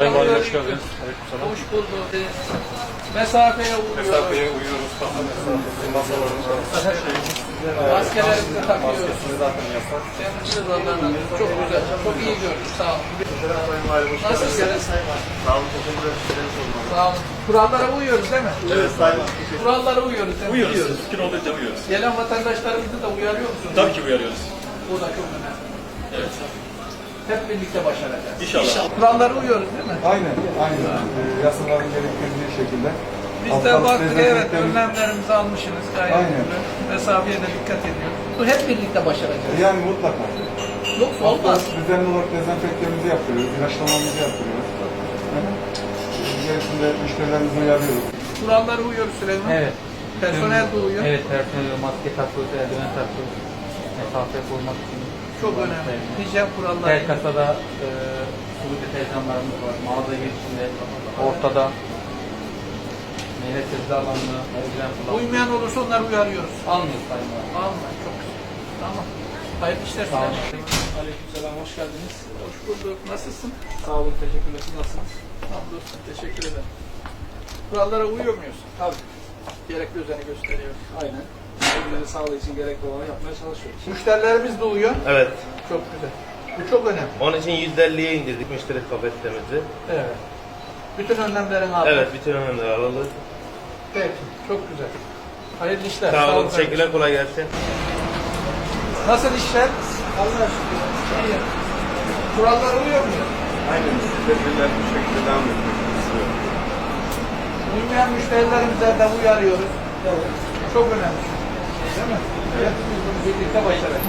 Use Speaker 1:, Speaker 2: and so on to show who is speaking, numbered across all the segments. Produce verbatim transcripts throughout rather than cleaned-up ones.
Speaker 1: Sayın Valim hoş geldiniz. Aleykümselam.
Speaker 2: Hoş bulduk. Mesafeye uyuyoruz.
Speaker 1: Mesafeye uyuyoruz. Masalarımız var.
Speaker 2: Maskelerimizi takıyoruz.
Speaker 1: Maskesini zaten yasak.
Speaker 2: Temizliğiniz Allah'ın çok güzel. Çok iyi gördük. Sağ olun.
Speaker 1: Sayın Valim hoş geldiniz.
Speaker 2: Nasılsınız?
Speaker 1: Sağ olun. Teşekkür ederim.
Speaker 2: Sağ olun. Kurallara uyuyoruz değil mi?
Speaker 1: Evet Sayın.
Speaker 2: Kurallara uyuyoruz değil mi?
Speaker 3: Uyuyoruz. Mümkün olduğunca uyuyoruz.
Speaker 2: Gelen vatandaşlarımızı da uyarıyor musunuz?
Speaker 3: Tabii ki uyarıyoruz.
Speaker 2: Bu da çok önemli.
Speaker 3: Evet.
Speaker 2: Hep birlikte başaracağız.
Speaker 3: İnşallah.
Speaker 2: Kurallara uyuyoruz değil mi?
Speaker 4: Aynen, aynen. Ee, yasaların gerektirdiği şekilde.
Speaker 2: Biz de
Speaker 4: Hastalık
Speaker 2: baktık evet
Speaker 4: dezenfektanı-
Speaker 2: önlemlerimizi almışsınız gayet
Speaker 4: Aynen.
Speaker 2: güzel. Mesafeye de dikkat ediyoruz. Bu hep birlikte başaracağız.
Speaker 4: Yani mutlaka.
Speaker 2: Yoksa olmaz.
Speaker 4: Düzenli olarak dezenfektanımızı yaptırıyoruz, ilaçlamamızı yaptırıyoruz. Gerisinde müşterilerimizi uyarıyoruz.
Speaker 2: Kurallara uyuyoruz Süleyman.
Speaker 5: Evet.
Speaker 2: Personel de uyuyor.
Speaker 5: Evet, personel maske takıyoruz, eldiven takıyoruz. Mesafe korumak için.
Speaker 2: Çok önemli. Hijyen kuralları.
Speaker 5: Her kasada e, sulu deterjanlarımız var. Mağaza girişinde, ortada. Meyve sebze alanını, eldiven kullanıyoruz.
Speaker 2: Uymayan olursa onları uyarıyoruz.
Speaker 5: Almıyoruz sayın valim.
Speaker 2: Alma. Çok güzel. Tamam. Hayırlı işler
Speaker 5: Sağ olun.
Speaker 2: Süleyman. Aleykümselam. Hoş geldiniz. Hoş bulduk. Nasılsın?
Speaker 6: Sağ olun, teşekkürler. Siz nasılsınız?
Speaker 2: Hamdolsun. Teşekkür ederim. Kurallara uyuyor muyuz?
Speaker 6: Tabii,
Speaker 2: Gerekli özeni gösteriyoruz.
Speaker 6: aynen. Kendileri sağlığı için gerekli olanı yapmaya çalışıyoruz.
Speaker 2: Müşterilerimiz de uyuyor.
Speaker 7: Evet.
Speaker 2: Çok güzel. Bu çok önemli.
Speaker 7: Onun için yüzde elliye indirdik müşteri kapasitemizi.
Speaker 2: Evet. Bütün önlemlerini aldık.
Speaker 7: Evet, bütün önlemleri alalım.
Speaker 2: Peki. Çok güzel. Hayırlı işler.
Speaker 7: Sağ olun,
Speaker 2: kardeşim.
Speaker 7: teşekkürler, kolay gelsin.
Speaker 2: Nasıl işler? Allah şükür. İyi. Kurallara uyuyor muyuz?
Speaker 4: Aynen, tedbirler bu şekilde devam ediyor.
Speaker 2: Uymayan müşterilerimize de uyarıyoruz. Çok önemli. Değil mi? Evet. Birlikte başaralım.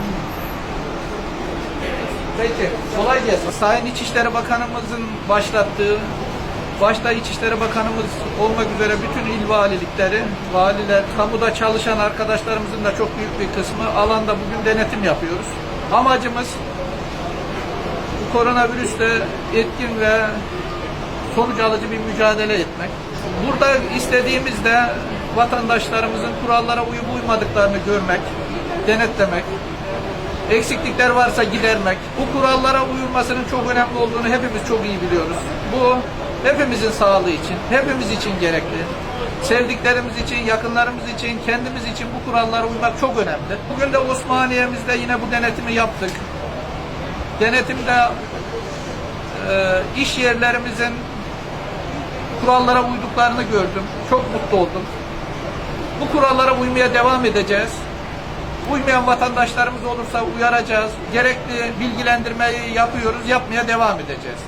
Speaker 2: Peki, kolay gelsin. Sayın İçişleri Bakanımızın başlattığı, başta İçişleri Bakanımız olmak üzere bütün il valilikleri, valiler, kamuda çalışan arkadaşlarımızın da çok büyük bir kısmı alanda bugün denetim yapıyoruz. Amacımız bu koronavirüsle etkin ve sonuç alıcı bir mücadele etmek. Burada istediğimiz de vatandaşlarımızın kurallara uyup uymadıklarını görmek, denetlemek, eksiklikler varsa gidermek. Bu kurallara uyulmasının çok önemli olduğunu hepimiz çok iyi biliyoruz. Bu hepimizin sağlığı için, hepimiz için gerekli. Sevdiklerimiz için, yakınlarımız için, kendimiz için bu kurallara uymak çok önemli. Bugün de Osmaniye'mizde yine bu denetimi yaptık. Denetimde e, iş yerlerimizin kurallara uyduklarını gördüm. Çok mutlu oldum. Bu kurallara uymaya devam edeceğiz. Uymayan vatandaşlarımız olursa uyaracağız. Gerekli bilgilendirmeyi yapıyoruz, yapmaya devam edeceğiz.